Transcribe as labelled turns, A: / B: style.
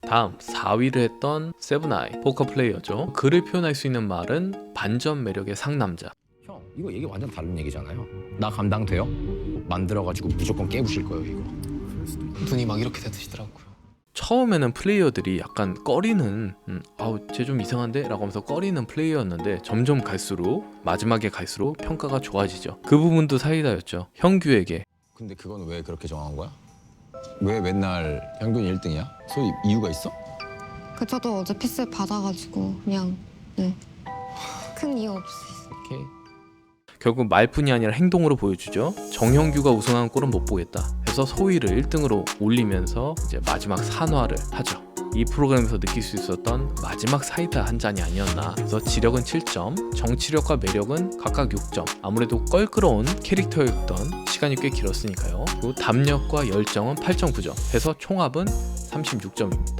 A: 다음 4위를 했던 세븐아이 포커 플레이어죠. 그를 표현할 수 있는 말은 반전 매력의 상남자.
B: 형, 이거 얘기 완전 다른 얘기잖아요. 나 감당돼요? 만들어가지고 무조건 깨부실 거예요, 이거.
C: 눈이 막 이렇게 되시더라고요.
A: 처음에는 플레이어들이 약간 꺼리는 아우 쟤 좀 이상한데? 라고 하면서 꺼리는 플레이어였는데 점점 갈수록 마지막에 갈수록 평가가 좋아지죠. 그 부분도 사이다였죠. 형규에게
B: 근데 그건 왜 그렇게 정한 거야? 왜 맨날 평균 1등이야? 소위 이유가 있어?
D: 저도 어제 패스 받아가지고 그냥 큰 이유 없이.
A: 이렇게 결국 말뿐이 아니라 행동으로 보여주죠. 정형규가 우승한 골은 못 보겠다 해서 소희를 1등으로 올리면서 이제 마지막 산화를 하죠. 이 프로그램에서 느낄 수 있었던 마지막 사이다 한 잔이 아니었나. 그래서 지력은 7점, 정치력과 매력은 각각 6점. 아무래도 껄끄러운 캐릭터였던 시간이 꽤 길었으니까요. 그리고 담력과 열정은 8.9점 해서 총합은 36점입니다.